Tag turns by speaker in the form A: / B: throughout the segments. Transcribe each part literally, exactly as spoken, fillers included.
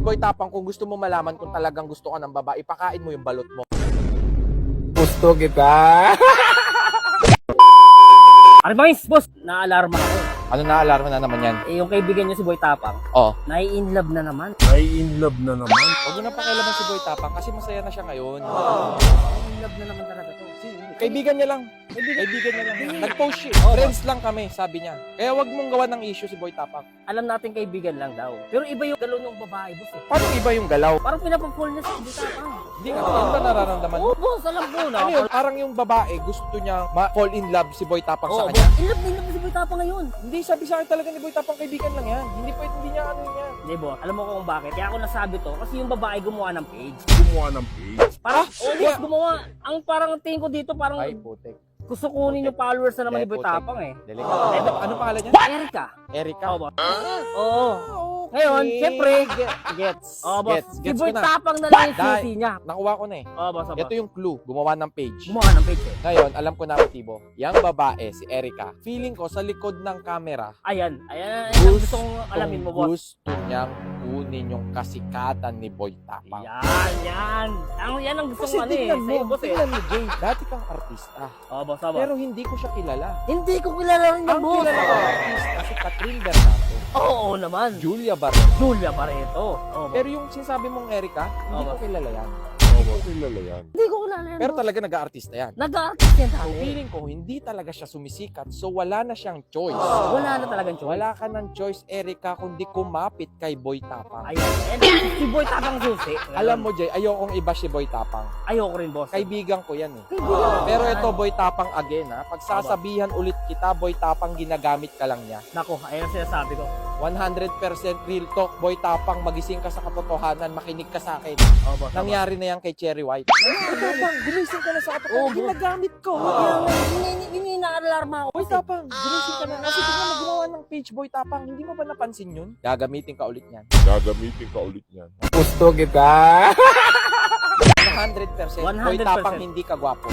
A: Boy Tapang, kung gusto mo malaman kung talagang gusto ka ng babae, ipakain mo yung balot mo.
B: Gusto kita.
C: Ano ba guys, boss? Naalarma ako.
A: Ano na alarma na naman yan?
C: Eh, yung kaibigan niyo si Boy Tapang,
A: Oh,
C: nai-in love na naman.
B: Ay, in love na naman.
A: huwag mo na pakialaman si Boy Tapang kasi masaya na siya ngayon.
C: Nai-in love na naman talaga to.
A: Kaibigan niya lang. Kaibigan niya lang. Nag-post siya. Friends lang kami, sabi niya. Kaya wag mong gawa ng issue si Boy Tapang.
C: Alam natin kaibigan lang daw. Pero iba yung galaw ng babae, boss eh.
A: Paano iba yung galaw?
C: Parang pinapapul niya si Boy Tapang.
A: Hindi ka ano ba nararamdaman?
C: Oo, boss, alam ko na.
A: Ano yun? Parang yung babae gusto niya ma-fall in love si Boy Tapang sa
C: Oo,
A: kanya.
C: boss, in love na in love na si Boy Tapang ngayon.
A: Hindi, sabi sa akin talaga ni Boy Tapang, kaibigan lang yan. Hindi pwede, hindi niya ano yan.
C: Hindi, boss, alam mo kung bakit? Kaya ako nasabi to, kasi yung babae gumawa ng page.
B: Gumawa ng page.
C: Parang,
A: Ah,
C: oh, boss, gumawa. Ang parang tingin ko dito, parang
A: Ay, putek.
C: gusto kunin yung followers na naman ni Boy
A: Putek.
C: Tapang eh.
A: Delikado. Ano, ano pangalan niya?
C: Erika.
A: Erika.
C: Oo, boss. Oo.
A: Okay.
C: Ngayon, syempre,
A: Gets.
C: Oo, boss.
A: Gets.
C: Si
A: Gets
C: Boy
A: ko na.
C: Tapang na lang yung
A: Dahil-
C: susi niya.
A: Nakuha ko na eh.
C: Oo, boss, boss.
A: Ito yung clue. Gumawa ng page.
C: Gumawa ng page eh.
A: Ngayon, alam ko na motibo. Yang babae, si Erika, feeling ko sa likod ng camera,
C: Ayan, ayan, ayan, ang
A: Gusto
C: gusto kong alamin mo, boss.
A: gusto niyang kunin yung kasikatan ni Boy Tapang.
C: Yan, yan. Ang, yan ang gusto
A: Kasi
C: kong ano eh.
A: tingnan
C: Sa'yo,
A: mo,
C: boss eh.
A: tingnan mo, Jay. Dati kang artista.
C: Oo, boss, oo, boss.
A: Pero hindi ko siya kilala.
C: Hindi ko kilala rin yung
A: Ang
C: boss.
A: kilala ko artista si Catherine Bernardo,
C: Oo naman.
A: Julia Barreto.
C: Julia Barreto. Oo, boss.
A: Pero yung sinasabi mong Erika, hindi
C: Oo,
A: ko kilala yan.
B: Hindi ko kilala yan.
C: Hindi ko kilala yan,
A: Pero
C: boss.
A: talaga nag-aartista yan.
C: Nag-artist yan
A: So,
C: dati.
A: feeling ko, hindi talaga siya sumisikat. So, wala na siyang choice.
C: Wala na talagang choice.
A: Wala ka ng choice, Erika, kundi kumapit kay Boy Tapang.
C: Ayan, ayan. Si Boy Tapang susi.
A: Alam mo, Jay, ayokong iba si Boy Tapang.
C: Ayoko rin, boss.
A: Kaibigan ko yan eh.
C: Kaibigan.
A: Pero ito, Boy Tapang again ha. Pagsasabihan ulit kita, Boy Tapang, ginagamit ka lang niya.
C: Nako, ayan ang sinasabi ko.
A: one hundred percent real talk, Boy Tapang, magising ka sa katotohanan, makinig ka sa akin.
C: Oo, boss.
A: Nangyari na yan kay Cherry White. Boy Tapang, gumising ka na sa
C: Oo,
A: katotohanan.
C: bro.
A: Ginagamit ko.
C: Kaya nga, ini- ini inaalarma ako.
A: Boy Tapang, gumising ka na. Kasi tingnan mo gumawa ng page, Boy Tapang. Hindi mo ba napansin yun? Gagamitin ka ulit yan.
B: Gagamitin ka ulit yan.
A: Gusto kita. one hundred percent. Boy
C: one hundred percent.
A: Tapang, hindi ka gwapo.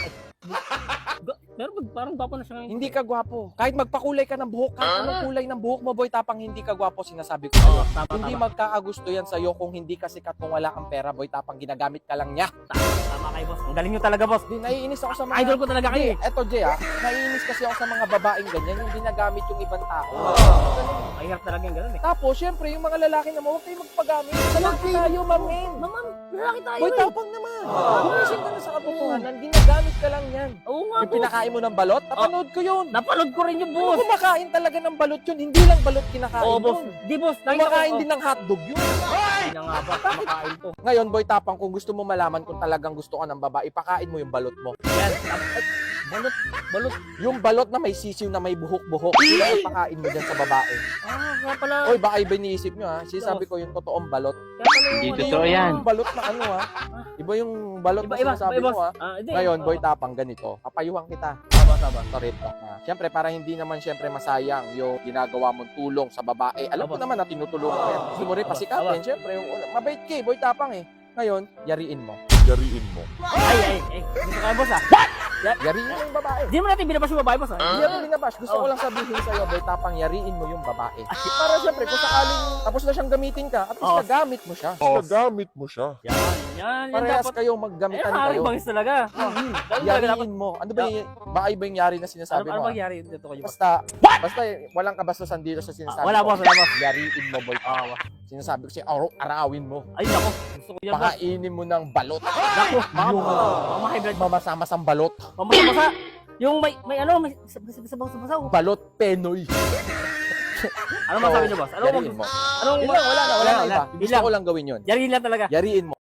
C: Ga- Pero mag- parang gwapo na siya ngayon.
A: Hindi ka gwapo. Kahit magpakulay ka ng buhok, kahit anong kulay ng buhok mo, Boy Tapang, hindi ka gwapo, sinasabi ko sa'yo.
C: Oo, tama,
A: Hindi
C: tama.
A: magkakagusto yan sa'yo kung hindi ka sikat, kung wala kang pera, Boy Tapang, ginagamit ka lang niya.
C: Tama, tama kayo, boss. Ang galing nyo talaga, boss.
A: Di, naiinis ako sa mga...
C: Idol ko talaga kayo eh.
A: Eto, Jay, ah. Naiinis kasi ako sa mga babaeng ganyan, yung ginagamit yung ibang tao.
C: Mahirap talaga yung gano'n eh.
A: Tapos, syempre, yung mga lalaki naman, huwag kayong magpagamit. Lalaki tayo, mamen.
C: Mamam, lalaki tayo
A: Boy
C: eh.
A: Tapang naman. Gumising ka na sa katotohanan, ginagamit ka lang yan.
C: Oo nga,
A: Yung
C: boss.
A: pinakain mo ng balot, napanood ko yun.
C: Napanood ko rin yung
A: Kung
C: boss.
A: kumakain talaga ng balot yun, hindi lang balot kinakain
C: Oo, boss.
A: yun.
C: Di, boss.
A: Kumakain din ng hotdog yun.
C: Hindi na nga ba, kumakain to.
A: Ngayon, Boy Tapang, kung gusto mo malaman kung talagang gusto ka ng babae, ipakain mo yung balot mo.
C: Yan. At, balot, balot.
A: Yung balot na may sisiw na may buhok-buhok, yun ang ipakain mo dyan sa babae.
C: Ah, kaya pala.
A: Oy, baka iba iniisip nyo ha. Sinasabi ko yung totoong balot.
C: Kaya pala yung
D: Hindi
C: ano,
D: totoo
C: yung-
D: yan.
A: Yung balot na ano ha. Iba yung balot
C: Iba,
A: na
C: iba,
A: sinasabi
C: iba,
A: mo ha.
C: Ah, hindi.
A: Ngayon, Boy
C: Oo.
A: Tapang, ganito. Papayuhan kita.
C: Tama, tama.
A: Sorry, talk na. Siyempre, para hindi naman siyempre masayang yung ginagawa mong tulong sa babae. Alam ko
C: Aba.
A: naman na tinutulungan mo yan. Gusto mo rin
C: Aba.
A: pasikatin. Siyempre, yung, mabait ka eh, Boy Tapang eh. Ngayon, yariin mo.
B: Yariin mo.
C: Ay, ay, ay. Gusto kayo, boss ah.
A: Yariin mo yung babae.
C: Hindi mo natin binabas yung babae, boss ah.
A: Hindi ako binabash. Gusto ko lang sabihin sa'yo, Boy Tapang, yariin mo yung babae. Para siyempre, kung sakaling tapos na siyang gamitin ka, at least
C: Oo.
A: nagamit mo siya.
B: Nagamit mo siya.
C: Yan, yan. Yan
A: Parehas
C: dapat.
A: kayo,
C: Eh,
A: maggamitan kayo.
C: harang bangis talaga. Hmm. Ganun talaga dapat.
A: Yariin mo. Ano ba yung, baka iba yung yari na
C: Ano,
A: sinasabi
C: ano
A: mo? ah?
C: mangyari dito kayo, boss?
A: Basta, basta walang kabastusan dito sa sinasabi
C: Ah, wala,
A: ko.
C: boss, wala, boss.
A: Yariin mo, Boy.
C: Ah, boss.
A: Sinasabi ko siya, araw, arawin mo.
C: Ay, nako. Gusto ko yan, boss.
A: Pakainin mo ng balot.
C: Nako, baka
A: Yung
C: baka ma-hybrid.
A: mamasamasang balot.
C: Pamasa-masa. Yung may, may ano, may sabaw-sabaw.
A: Balot Penoy.
C: Ano masabi niyo, boss? Ano
A: Yariin mo.
C: Anong
A: Yun lang, wala na, wala na iba.
C: Yun
A: Gusto
C: lang.
A: ko lang gawin yun.
C: Yariin lang talaga.
A: Yariin mo.